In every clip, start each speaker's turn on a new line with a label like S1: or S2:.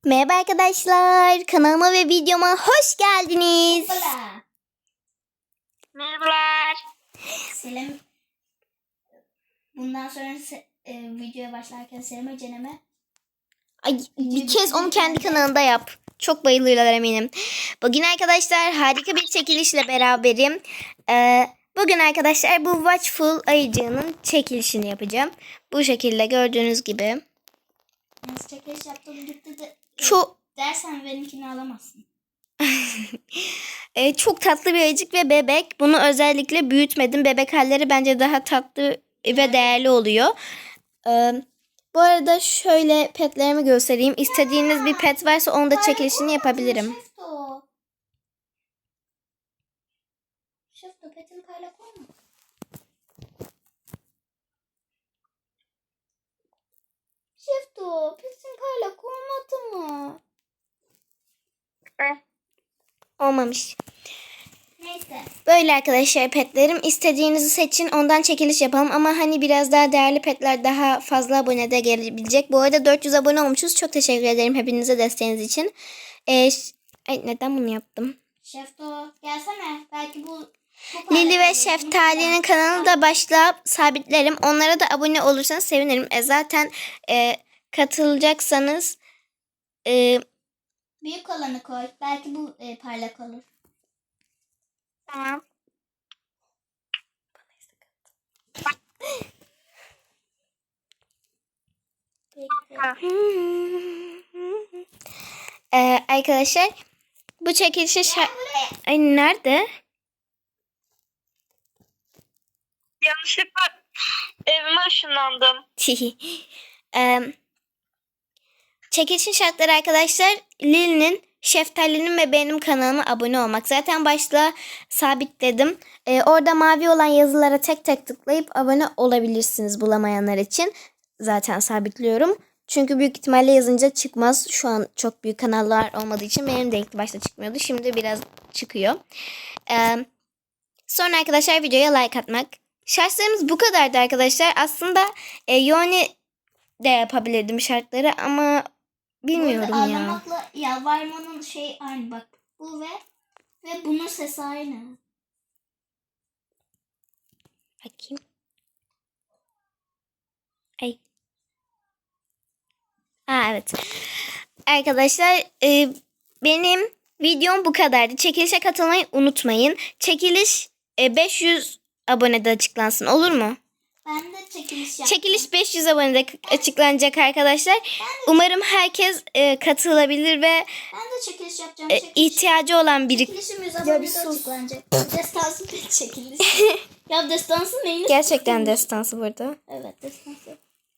S1: Merhaba arkadaşlar, kanalıma ve videoma hoş geldiniz.
S2: Hola.
S3: Merhabalar.
S2: Selam. Bundan sonra videoya başlarken Selam Cenem'e
S1: Ay, bir kez onu kendi kanalında yap. Çok bayılırlar eminim. Bugün arkadaşlar harika bir çekilişle beraberim. Bugün arkadaşlar bu Watchful ayıcığının çekilişini yapacağım. Bu şekilde gördüğünüz gibi.
S2: nasıl çekiliş yaptığını gitti de
S1: Çok
S2: dersen benimkini alamazsın.
S1: çok tatlı bir ayıcık ve bebek. Bunu özellikle büyütmedim. Bebek halleri bence daha tatlı ve değerli oluyor. Bu arada şöyle petlerimi göstereyim. İstediğiniz bir pet varsa onu da çekilişini yapabilirim.
S2: Şefto petini parlak olma. Şefto petin parlak olmadı mı?
S1: Olmamış.
S2: Neyse.
S1: Böyle arkadaşlar petlerim. İstediğinizi seçin. Ondan çekiliş yapalım. Ama hani biraz daha değerli petler daha fazla abonede gelebilecek. Bu arada 400 abone olmuşuz. Çok teşekkür ederim hepinize desteğiniz için. Ay, neden bunu yaptım?
S2: Şefto gelsene. Belki bu
S1: Lili ve Şeftali'nin kanalını da başlayıp sabitlerim. Onlara da abone olursanız sevinirim. Zaten katılacaksanız
S2: büyük olanı koy. Belki bu parlak olur.
S3: Tamam.
S1: arkadaşlar bu çekilişe Ay, nerede?
S3: Yanlışlıkla evime ışınlandım.
S1: Çekilişin şartları arkadaşlar Lili'nin, Şeftali'nin ve benim kanalıma abone olmak. Zaten başta sabitledim. Orada mavi olan yazılara tek tek tıklayıp abone olabilirsiniz bulamayanlar için. Zaten sabitliyorum. Çünkü büyük ihtimalle yazınca çıkmaz. Şu an çok büyük kanallar olmadığı için benim de ilk başta çıkmıyordu. Şimdi biraz çıkıyor. Sonra arkadaşlar videoya like atmak. Şartlarımız bu kadardı arkadaşlar. Aslında Yoni de yapabilirdim şartları ama bilmiyorum
S2: bu arada
S1: ya.
S2: ağlamakla yalvarmanın şey aynı bak. Bu ve bunun sesi aynı.
S1: Bakayım. Ay. Evet. Arkadaşlar benim videom bu kadardı. Çekilişe katılmayı unutmayın. Çekiliş 500 abonede açıklansın, olur mu?
S2: Ben de çekiliş yaptım.
S1: Çekiliş 500 abonede açıklanacak arkadaşlar. Umarım herkes katılabilir ve
S2: Ben de çekiliş yapacağım.
S1: ihtiyacı olan biri.
S2: Çekilişim 100
S1: Ya
S2: abonede
S1: bir sus.
S2: açıklanacak. Destansı bir çekiliş. Ya destansı neyini?
S1: Gerçekten destansı burada.
S2: Evet destansı.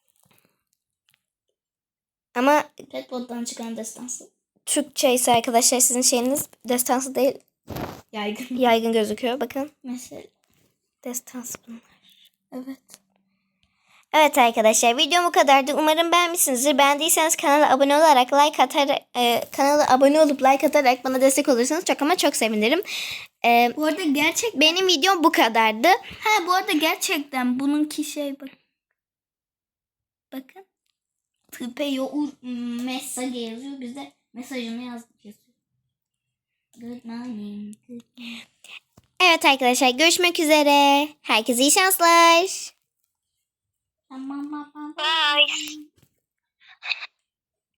S1: Ama
S2: Redbot'tan çıkan destansı.
S1: Türkçe ise arkadaşlar sizin şeyiniz destansı değil,
S2: Yaygın.
S1: yaygın gözüküyor. Bakın.
S2: Mesela.
S1: Destansı bunlar.
S2: Evet.
S1: Evet arkadaşlar, videom bu kadardı. Umarım beğenmişsinizdir. Beğendiyseniz kanala abone olarak kanala abone olup like atarak bana destek olursanız çok ama çok sevinirim.
S2: Bu arada
S1: Benim videom bu kadardı.
S2: bu arada gerçekten bununki şey bak. Bakın. Tıpe yoğur mesaj yazıyor. Biz de mesajını yazdık yazıyor. Good morning. Good morning.
S1: Evet arkadaşlar, görüşmek üzere. Herkese iyi şanslar.
S2: Tamam.
S3: Bye.